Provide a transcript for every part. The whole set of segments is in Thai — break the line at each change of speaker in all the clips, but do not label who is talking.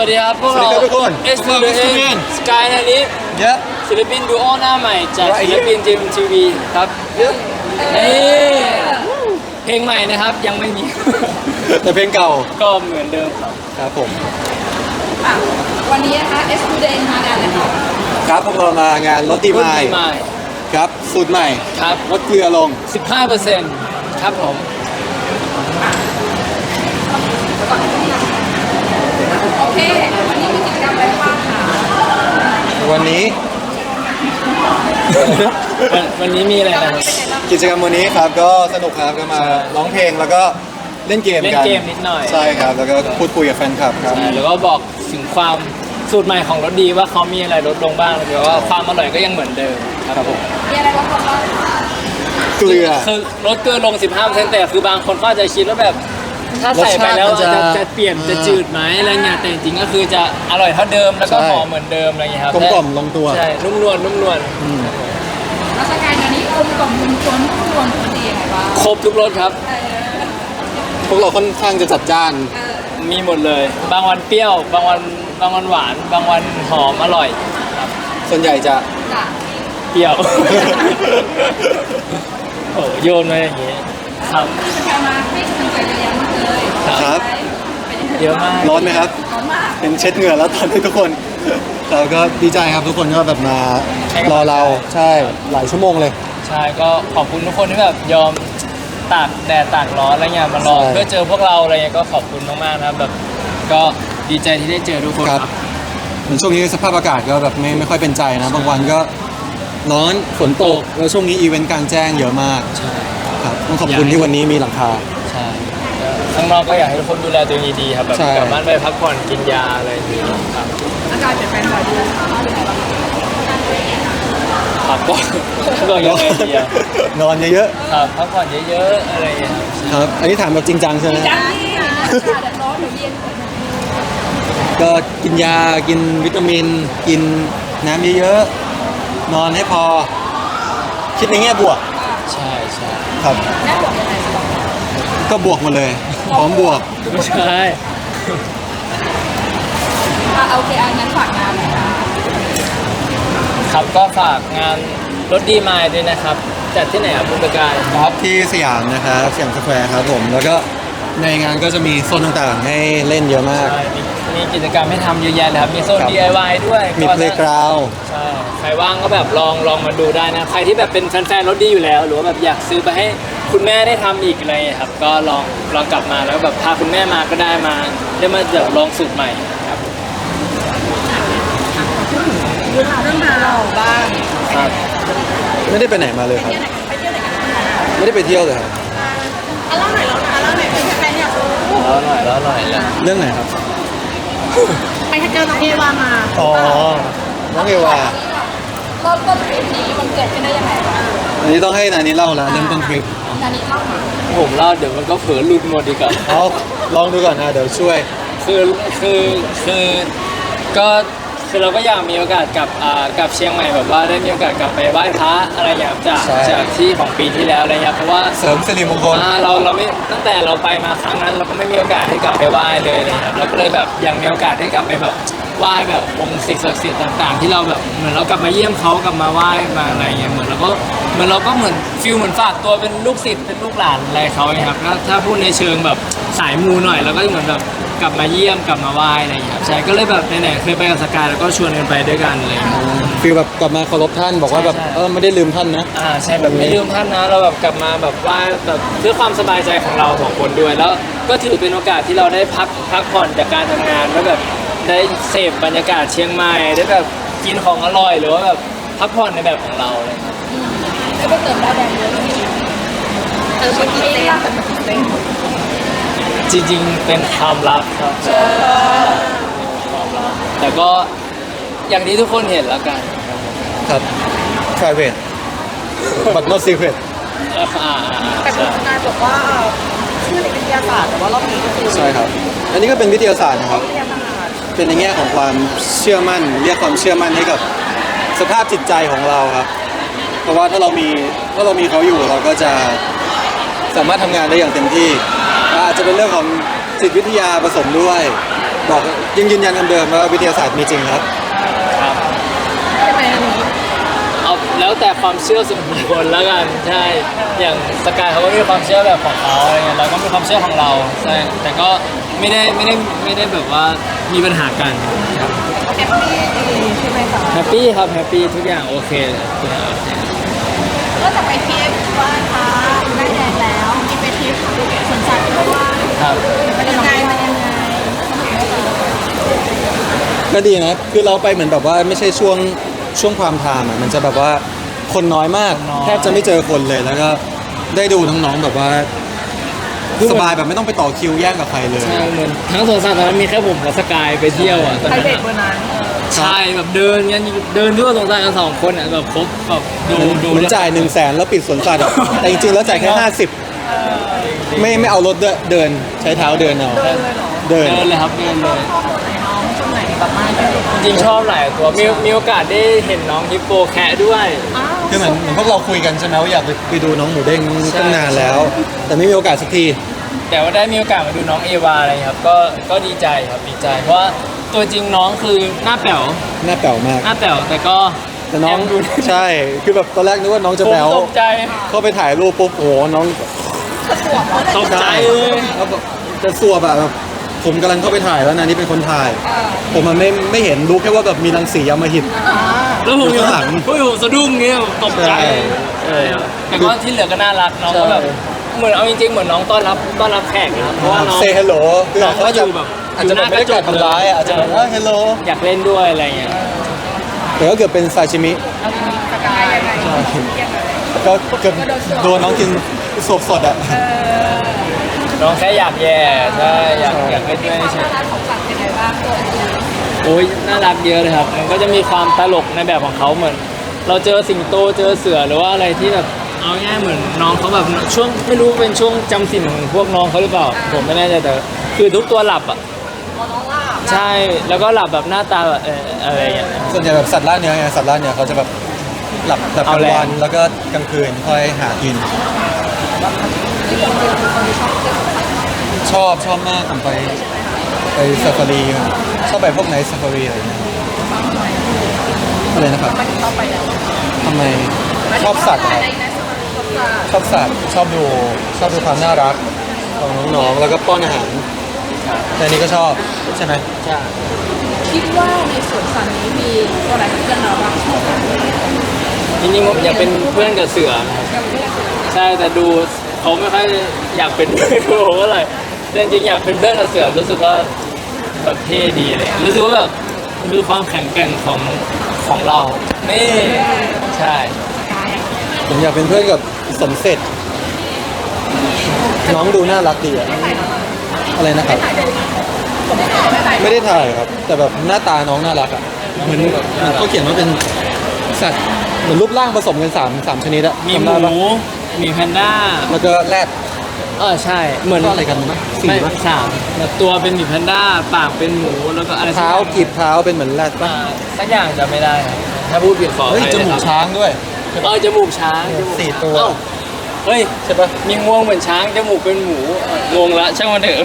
วัสดีครับพวกเรา
ทุกคน
S to the N Sky นาลิฟ
เยอะ
ศิลปินดูโอหน้าใหม่จากศิลปินจิมทีวีครับนี่เพลงใหม่นะครับยังไม่มี
แต่เพลงเก่า
ก็เหมือนเดิมครับ
ครับผม
วันนี้นะคะ S to the N มางานเลยค่ะ
ครับพวกเรามางานรถดี
รุ่น
ไม้
ใหม่
ครับสูตรใหม่
ครับ
ลดเกลือลง
15%ครับผม
โอเค วันนี้มีกิจกรรมอะไรบ้างคะ
วันนี้
วันนี้มีอะไรกัน
กิจกรรมวันนี้ครับก็สนุกครับก็มาร้องเพลงแล้วก็เล่นเกม
เล่น
กัน
เกมนิดหน่อย
ใช่ครับแล้วก็พูดคุยกับแฟนคลับครับ
ใช่แล้วก็บอกถึงความสูตรใหม่ของรสดีว่าเขามีอะไรลดลงบ้างแต่ว่าความอร่อยก็ยังเหมือนเดิมครับผม
มีอะไรบ้างคะ
เกลือ
คือลดเกลือลง 15%แต่คือบางคนก็อาจจะคิดว่าแบบถ้าใส่ไปแล้ว
รสชาติมันจะ
จะเปลี่ยนจะจืดไหมอะไรเงี้ยแต่จริงๆก็คือจะอร่อยเท่าเดิมแล้วก็
ใช่
หอมเหมือนเดิมอะไรเงี้ยครับ
กลมกล่อมลงตัว
ใช่นุ่มนวลนุ่มนวล
ราชการงานนี้กลมกล่อมมุนชวนทุกคนดียังไงบ้าง
ครบทุกรสครับ
พวกเราค่อนข้างจะจัดจ้าน
มีหมดเลย บางวันเปรี้ยว บางวันหวาน บางวันหอมอร่อยครับ
ส่วนใหญ่จะ
จ้ะ
เปรี้ยว โอ้โยนมาอย่างงี้ครับ
กิจกรรมมาให้กำลังใจเยอะแยะมากเลย
ครับ
เป็นยังไง
เยอะมาก
ร้อนไหมครับ
ร้อนมาก
เป็นเช็ดเหงื่อแล้วตอนนี้ทุกคนเราก็ดีใจครับทุกคนก็แบบมารอเราใช่หลายชั่วโมงเลย
ใช่ก็ขอบคุณทุกคนที่แบบยอมตากแดดตากร้อนอะไรเงี้ยมารอ
ใช่
เพื่อเจอพวกเราอะไรเงี้ยก็ขอบคุณมากๆนะครับแบบก็ดีใจที่ได้เจอทุกคน
ครับ
ครับ
เหมือนช่วงนี้สภาพอากาศก็แบบไม่ค่อยเป็นใจนะบางวันก็ร้อนฝนตกแล้วช่วงนี้อีเวนต์กลางแจ้งเยอะมาก
ใช่
ครับต้องขอบคุณที่วันนี้มีหลังคา
ใช่ข้างนอกก็อยากให้ทุกคนดูแลตัวเองดีๆครับแบบ
ใช่
กลับบ้านไปพักผ่อนกินยาอะไรอย่างเงี้ยครับ
อากาศเปลี่ยนแปลงบ่อยดูเป็นยังไงบ้าง
พักผ่อนก็ยังไงดีอะ
นอนเยอะ
ครับพักผ่อนเยอะๆอะไรอย่างเงี้ยครับ
ๆครับ อันนี้ถามแบบจริงจังใช่ไหม
จ้าที่อากาศร้อนหรือเย็น
ก็กินยากินวิตามิน กินน้ำเยอะๆนอนให้พอ คิดในแง่บวก
ใช่ใช่
ครับ
แม่บอกยังไง
ก็บวกหมาเลยพร้อมบวก
ไม่ใช่
โอเคอันนั้นฝากงานหน่อยค่ะ
ครับก็ฝากงานรถดีมายด้วยนะครับจัดที่ไหนครับคุณประกาย
ครับที่สยามนะครับสยามสแควร์ครับผมแล้วก็ในงานก็จะมีโซนต่างๆ ให้เล่นเยอะมาก
ใช่มีกิจกรรมให้ทำเยอะแยะเลยครับมีโซน
ครับ
DIY ด้วย
มี
ก็
เพลย์กราว
ใช่ใครว่างก็แบบลองมาดูได้นะใครที่แบบเป็นแฟนๆรถดีอยู่แล้ว หรือว่าแบบอยากซื้อไปให้คุณแม่ได้ทำอีกอะไรอย่างเงี้ยครับก็ลองกลับมาแล้วแบบพาคุณแม่มาก็ได้มาได้มาแบบลองสูตรใหม่ครับ
เรื่องราวบ้าง
ครับ
ไม่ได้ไปไหนมาเลยครับ ไม่ได้ไปเที่ยวเลยครับ
เล่าหน่อยเป็นแฟนอยากรู้
แล้วหน่อยแล้ว
เรื่องไหนครับ
ไปเจอน้องเอวามา
อ๋อ น้องเอวา
เริ่มต้นทริปนี้มันเกิดขึ้นได้ยังไงบ้าง
อันนี้ต้องให้นานี้เล่าแล้วเริ่มต้นทริป
นานี้เล่ามา
ผมเล่าเดี๋ยวมันก็เผลอหลุดหมดดีกว่า
เอาลองดูก่อนนะเดี๋ยวช่วย
คือเราก็อยากมีโอกาสกลับเชียงใหม่แบบว่าได้มีโอกาสกลับไปไหว้พระอะไรอย่างเงี้ยจาก
ใช่
จากที่ของปีที่แล้วอะไรเงี้ยเพราะว่า
เสริมสิริมงคล
เราไม่ตั้งแต่เราไปมาครั้งนั้นเราก็ไม่มีโอกาสได้กลับไปไหว้เลยอะไรเงี้ยเราก็เลยแบบยังมีโอกาสได้กลับไปแบบไหว้แบบองค์สิ่งศักดิ์สิทธิ์ต่างๆ ที่เราแบบเหมือนเรากลับมาเยี่ยมเขากลับมาไหว้มาอะไรเงี้ยเหมือนเราก็เหมือนฟิลเหมือนฝากตัวเป็นลูกศิษย์เป็นลูกหลานอะไรเขาเนี่ยครับถ้าพูดในเชิงแบบสายมูหน่อยเราก็เหมือนแบบกลับมาเยี่ยมกลับมาไหว้อะไรอย่างเงี้ยครับใช่ก็เลยแบบไหนๆเคยไปกับสกายแล้วก็ชวนกันไปด้วยกันอะไรอย่างเลย
ฟีลแบบกลับมาเคารพท่านบอกว่าแบบ
ใช่
ไม่ได้ลืมท่านนะ
ใช่แบบไม่ลืมท่านนะเราแบบกลับมาแบบไหว้แบบเพื่อความสบายใจของเราสองคนด้วยแล้วก็ถือเป็นโอกาสที่เราได้พักผ่อนจากการทำงานแล้วแบบได้เสพบรรยากาศเชียงใหม่ได้แบบกินของอร่อยหรือว่าแบบพักผ่อนในแบบของเราอะไรอย่างเลย
แล้วก็เติมได้แดงเยอะเป็นกี่เต็ม
จริงๆเป็นความลับครับความลับแต่ก็อย่างที่ทุกคนเห็นแล้วกัน
ครับ private but not secret
แต่คุณนายบอกว่าชื่อในวิทยาศาสตร์แต่ว่ารอบนี้ก็คือ
ใช่ครับ อันนี้ก็เป็นวิทยาศาสตร์นะครับ
วิทยาศาสตร์
เป็นในแง่ของความเชื่อมั่น เรียกความเชื่อมั่นให้กับสภาพจิตใจของเราครับ เพราะว่าถ้าเรามีเขาอยู่เราก็จะสามารถทำงานได้อย่างเต็มที่อาจจะเป็นเรื่องของจิตวิทยาผสมด้วยบอกยังยืนยันคำเดิมว่าวิทยาศาสตร์มีจริงครับ
ครับ
ใช่ไหมอันนี้
เอาแล้วแต่ความเชื่อส่วนบุคคลแล้วกันใช่อย่างสกายเขาก็มีความเชื่อแบบของเขาอะไรเงี้ยเราก็มีความเชื่อของเราใช่แต่ก็ไม่ได้แบบว่ามีปัญหากันครับ
แฮปปี้ดีใช่ไหมคะ
แฮปปี้ครับแฮปปี้ทุกอย่างโอเคทุกอย่างโอเค
ก็จะไปทริปว่าคะได้แดงแล้วมีไปทริปสวนสัตว์ด้วยว่า
ครับ
มันยังไงมันยังไง
ก็ดีนะคือเราไปเหมือนแบบว่าไม่ใช่ช่วงความไทม์อ่ะมันจะแบบว่าคนน้อยมากแทบจะไม่เจอคนเลยแล้วก็ได้ดูน้องๆแบบว่าสบายแบบไม่ต้องไปต่อคิวแย่งกับใครเลย
ใช่เหมือนทั้งสวนสัตว์ตอนนั้นมีแค่ผมกับสกายไปเที่ยวอ่ะตอน
ใคร
นั้น
เด็ก
อะ
วันนั้น
ใช่แบบเดินกันเดินทั่วสวนสัตว์กัน2 คนอ่ะแบบครบแบบดู
เหมือนจ่าย100,000แล้วปิดสวนสัตว์อะแต่จริงๆแล้วจ่ายแค่50ไม่เอารถด้วยเดินใช้เท้าเดินเอา
เดินเลยเหรอ
เดิน
เดินเลยครับเดินเลย
ชอบตัวไหนน้องตัวไหนแบบมากที่สุด
จริงๆชอบหลายตัวมีโอกาสได้เห็นน้องฮิปโปแคะด้วย
อ้าว
คือเหมือนพวกเราคุยกันใช่ไหมว่าอยากไปดูน้องหมูเด้ง
ใช่
ตั้งนานแล้ว แต่ไม่มีโอกาสสักที
แต่ว่าได้มีโอกาสมาดูน้องเอวาอะไรครับก็ดีใจครับดีใจ เพราะว่าตัวจริงน้องคือหน้าแป๋ว
หน้าแป๋วมาก
หน้าแป๋วแต่ก็
แต่น้อง
แอบดู
ใช่คือแบบตอนแรกนึกว่าน้องจะ
ผม
แบ๊ว
ตกใจ
เข้าไปถ่ายรูปปุ๊บโอ้โหน้อง
ตกใจเลย
แล้วแบบจะสวบอะแบบผมกำลังเข้าไปถ่ายแล้วนะนี่เป็นคนถ่าย ผมมันไม่เห็นรู้แค่ว่าแบบมีรังสีอำมหิต
แล้วผม
อยู่ข้างหลัง
ผมสะดุ้งเงี้ยตกใจ
ใช่
แต่ก็ที่เหลือก็น่ารักน้องก็แบบ
ใช่
เหมือนเอาจริงๆเหมือนน้องต้อนรับแขกนะครับเพราะว่าน้อง
เซฮัลโหลคือ
น้อง
เขา
ก็
จะ
อยู่แบบ
อาจจะแบบไม่ได้กลัดทำร้ายอะอาจจะแบบฮัลโหล
อยากเล่นด้วยอะไรเงี้ย
แต่ก็เกือบเป็นซาชิมิ
สกายยังไงยังไง
ก็เกือบโดนน้องกินสดๆอะ
น้องแค่อยากแย่ใช่อยากเล่นด้วยเฉย
ร้านของสัตว์ยังไงบ้างตัวอื่น
โอ้ยน่ารักเยอะเลยครับ มันก็จะมีความตลกในแบบของเขาเหมือน เราเจอสิงโตเจอเสือหรือว่าอะไรที่แบบเอาง่ายๆเหมือนน้องเขาแบบช่วงไม่รู้เป็นช่วงจำศีลของพวกน้องเขาหรือเปล่า ผมไม่แน่ใจแต่คือทุกตัวหลับอ่ะ
น้องล่า
ใช่แล้วก็หลับแบบหน้าตาแบบอะไรอย่างเงี้ย
ส่วนใหญ่แบบสัตว์ล่าเนื้อไงสัตว์ล่าเนื้อเขาจะแบบหลับแบบกลาง
เอาแรง
วันแล้วก็กลางคืนค่อยหากิน ชอบมากผมไปซาฟารีมาชอบไปพวกไหนซาฟารีอะไรเงี้ยอะไรนะครับ
มันเข้าไปแล้ว
ทำไมชอบสัตว์ครับชอบสัตว์ชอบดูความน่ารักของน้องๆแล้วก็ป้อนอาหารแต่อันนี้ก็ชอบใช่ไหม
ใช่
คิดว่าในสวนสัตว์นี้มีตัวไหนเป็นเพื่อนเราบ้าง
จริงๆผมอยากเป็นเพื่อนกับเสือนะครับใช่แต่ดูเขาไม่ค่อยอยากเป็นเพื่อนกับผมเท่าไหร่แต่จริงๆอยากเป็นเพื่อนกับเสือรู้สึกว่าแบบเท่ดีเลยรู้สึกว่าแบบคือความแข็งแกร่งของเรานี่ใช่
ผมอยากเป็นเพื่อนกับสมเสร็จ น้องดูน่ารักดีอะอะไรนะครับ ไม่ได้ถ่ายครับ แต่แบบหน้าตาน้องน่ารักอะเหมือนเขาเขียนว่าเป็นสัตว์เหมือนรูปร่างผสมกันสามชนิดอะ
มี
จำ
ห
ได้ปะ
มูมีแพนด้า
แล้วก็แรด
ใช่เหมือน
ก็อะไรกันนะสี่
ไม่
ปะ
สามแบบตัวเป็นหมีแพนด้าปากเป็นหมูแล้วก็อะไรสัก
เท้า
อย่าง
กีบเท้าเป็นเหมือนแรดปะ
สักอย่างจำไม่ได้ครับถ้าพูดผิดขออ
เฮ้ย
ภัย
จมูก
นะครับ
ช้างด้วย
จมูกช้างจมูก
สี่ตัว
เอ้าเฮ้ย
ใช่ปะ
มีงวงเหมือนช้างจมูกเป็นหมูงงละช่างมันเถอะ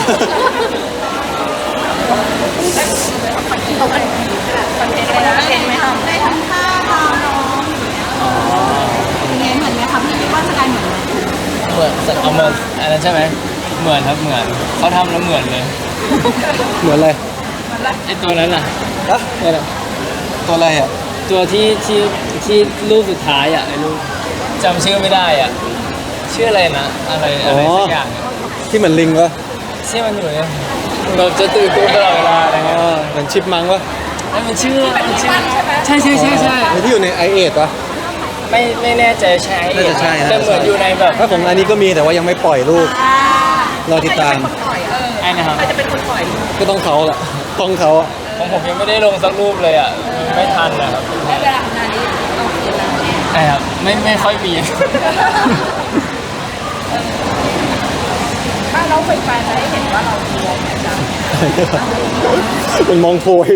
คอนเทนต์อะไรนะเห็นไหมคะได้ทำท่าทางน้องเป็นไงเหมือนไหมคะพี่คิดว่าสกายเหมือนไหม
เหมือนเอามาอันนั้นใช่ไหมเหมือนครับเหมือนเขาทำแล้วเหมือนเลย
เหมือนอะไร
ไอตัวนั้นน่ะ
อะ
เนี่ยน่ะ
ตัวอะไรอะ
ตัวที่รูปสุดท้ายอ่ะไอ้รูปจำชื่อไม่ได้อ่ะชื่ออะไรนะอะไรสักอย่างอะ
ที่เหมือนลิงปะ
ที่มันอยู่เนี่ยเราจะตื่นตัวตลอดเวลาอะไร
อ๋
เงี้ย
อเหมือนชิปมังปะ
แล้วมันชื่อใช่ใช่
ไอ้ที่อยู่ในไอเอทปะ
ไม่แน่ใจใช่
น่าจะใช่นะ
แต่เหมือนอยู่ในแบบ
ถ้าของอันนี้ก็มีแต่ว่ายังไม่ปล่อยรูปรอติดตาม
ไอ้นะครับ
ใครจะเป็นคนปล่อย
ก็ต้องเขาแหละต้องเขาอะ
ของผมยังไม่ได้ลงสักรูปเลยอ่ะไม่ทันนะครับ
และเวลาทำงานนี้เอาคืนแล้ว
ใช่ครับไม่ค่อยมี
ถ้าเราไปจะได้เห็นว่าเรามีอะไรแบบนั้น
เป็นมองโพย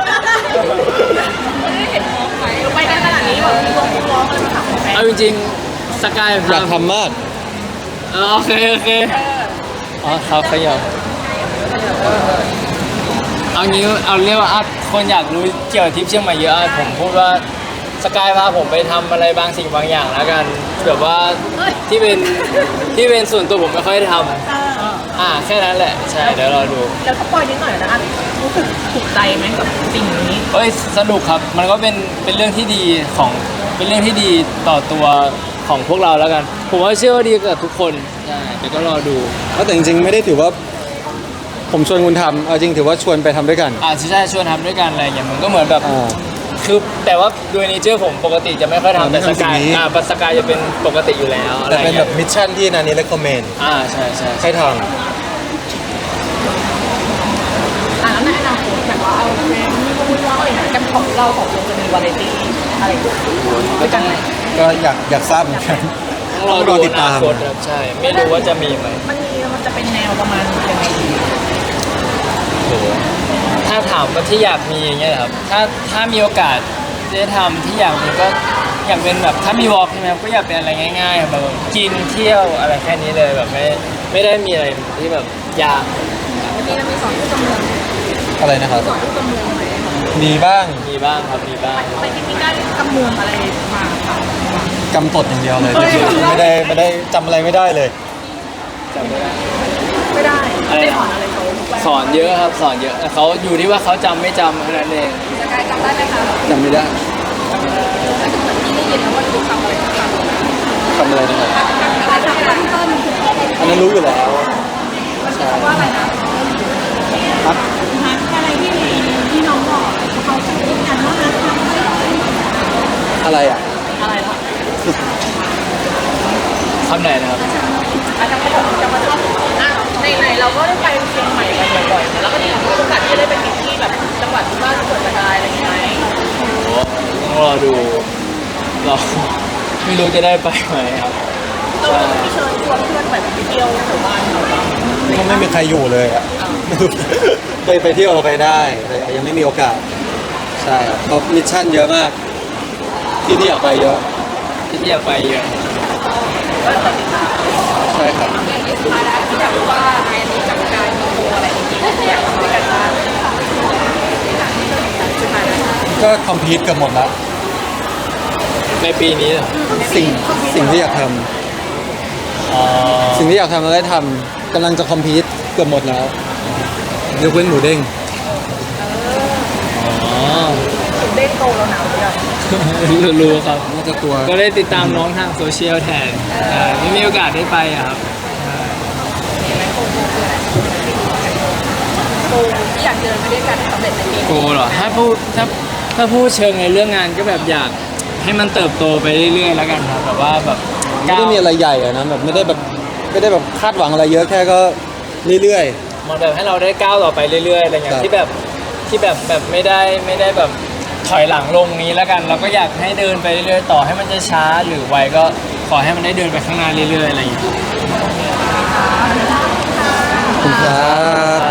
ไม่ได้เห็นมองไหมไปกันขนาดนี้แบบมีวงร้องเลยถามไหม
เอาจริงๆสกาย
อยากทำมาก
โอเคอ๋อครับขยับเอางี้เอาเรียกว่าคนอยากรู้เกี่ยวกับทริปเชียงใหม่เยอะผมพูดว่าสกายพาผมไปทำอะไรบางสิ่งบางอย่างแล้วกันแบบว่าที่เป็นส่วนตัวผมไม่ค่อยได้ทำแค่นั้นแหละใช่เดี๋ยวรอดู
แล้วก็ปล่อยนิดหน่อยนะรู้สึกถูกใจไหมกับสิ่งนี้
เอ้ยสนุกครับมันก็เป็นเรื่องที่ดีเป็นเรื่องที่ดีต่อตัวของพวกเราแล้วกันผมว่าเชื่อว่าดีกับทุกคนใช่เดี๋ยวก็รอดู
แต่จริงๆไม่ได้ถือว่าผมชวนคุณทำเอาจริงถือว่าชวนไปทำด้วยกัน
ใช่ชวนทำด้วยกันอะไรอย่างเงี้ยมันก็เหมือนแบบ
อ่า
คือแต่ว่าโดยเนเจอร์ผมปกติจะไม่ค่อยทำแต่
ไม่
ส
ทำสิ่
กาง ย
นี้
สกายจะเป็นปกติอยู่แล้วอะไร
แต่
อย่าง
เป็นแบ
เงี้ย
บมิชชั่นที่นานี้ recommend
ใช่ใช่
ให้ท
แล้วในอนาคตแบบว่าเอาเทรนด์นี่ก็พูดว่าอะไรนะกันของเราของวงจะมีวาไรตี้อะไรด้วยกันไหม
ำก็อยากทราบเหมือนกัน
ต้องรอ
ต้องรอ
ดู
ติดตาม
อนาคตครับใช่ไม่รู้ว่าจะมีไหม
มันจะเป็นแนวประมาณยังไงดี
โหถ้าถามว่าที่อยากมีอย่างเงี้ยเหรอครับถ้ามีโอกาสได้ทำที่อยากมีก็อยากเป็นแบบถ้ามีวอล์กใช่ไหมครับก็อยากเป็นอะไรง่ายๆแบบกินเที่ยวอะไรแค่นี้เลยแบบไม่ได้มีอะไรที่แบบยาก
วันนี้เรามีสอนที่กำเนิด
อะไรนะครับ
สอนที่กำเนิดไหม
มีบ้าง
มีบ้างครับมีบ้าง
ไปที่นี่ได้กำเนิดอะไรมาค่ะ
กำตดอย่างเดียวเลยไม่ได้จำอะไรไม่ได้เลย
จำไม่ได้
ไม่ได้
อะไรนะ
ได้สอนอะไรเขา
สอนเยอะครับสอนเยอะแต่เขาอยู่ที่ว่าเขาจำไม่จำแค่นั้นเอง
สกายจำได้ไหมคะ
จำไม่ได้
แล้วก็เหมือนที่ได้ยินแล้วว่าดูทำอะไรต่างๆ
ทำอะไรนะครับ
อะไรทำอะไรต้น
อันนั้นรู้อยู่แล้ว
ว่าอะไรนะ
ครับ
ฮักอะไรที่น้องบอกเขาจะพูดกันว่าฮักทำได้หรอ
อะไรอ่ะ
อะไรล่ะ
คำไหนนะครับ
อาจจะมาชอบไหนเราก็ได้ไปเชียงใหม่กันบ่อยๆแล้วก็มีโอกาสที่ได้ไปที่แบบจังหวัดที่บ้านสวนสกายอะไรอย่างเงี้ย
โอ้ต้องรอดูเราไม่รู้จะได้ไปไหมครับ
เราไม่เชิญชวนเพื่อนแบบไปเที่ยวหมู่บ้านเราบ้าง
ก็ไม่มีใครอยู่เลยอ่ะเคยไปเที่ยวไปได้แต่ยังไม่มีโอกาส ใช่ครับเพราะมิชชั่นเยอะมาก ที่อยากไปเยอะ
ที่อยากไปเยอะ
ก็ติดตาม
ใช่ครับ
มาได้ที่อยากรู้ว่าในนี้กับการมีโคอะไรอย่างเงี้ยอยากทำด้วยกันบ้างสุดท้ายแล้ว
ก็คอมพีทเกือบหมดแล้ว
ในปีนี้เหรอ
สิ่งที่อยากทำ
อ๋อ
สิ่งที่อยากทำเราได้ทำกำลังจะคอมพีทเกือบหมดแล้วยกเว้นหมูเด้ง
อ๋อ
เด้งโตแล้วหนาวยัง
รู้ครับ
น่าจะตัว
ก็ได้ติดตามน้องทางโซเชียลแทนไม่มีโอกาสได้ไปอะครับ
โตที่อยากเดินไปด้วยกันสำเร็จในปี
โกเหรอถ้าพูดเชิงในเรื่องงานก็แบบอยากให้มันเติบโตไปเรื่อยๆแล้วกันครับแบบว่าแบบ
ไม่ได้มีอะไรใหญ่อะนะแบบไม่ได้แบบคาดหวังอะไรเยอะแค่ก็เรื่อย
มันแบบให้เราได้ก้าวต่อไปเรื่อยๆอะไรเงี้
ครั
ย
บ
ที่แบบไม่ได้แบบถอยหลังลงนี้แล้วกัน เราก็อยากให้เดินไปเรื่อยๆต่อให้มันจะช้าหรือไวก็ขอให้มันได้เดินไปข้างหน้าเรื่อยๆอะไรอย่างเงี้ย
ๆขอบคุณครับ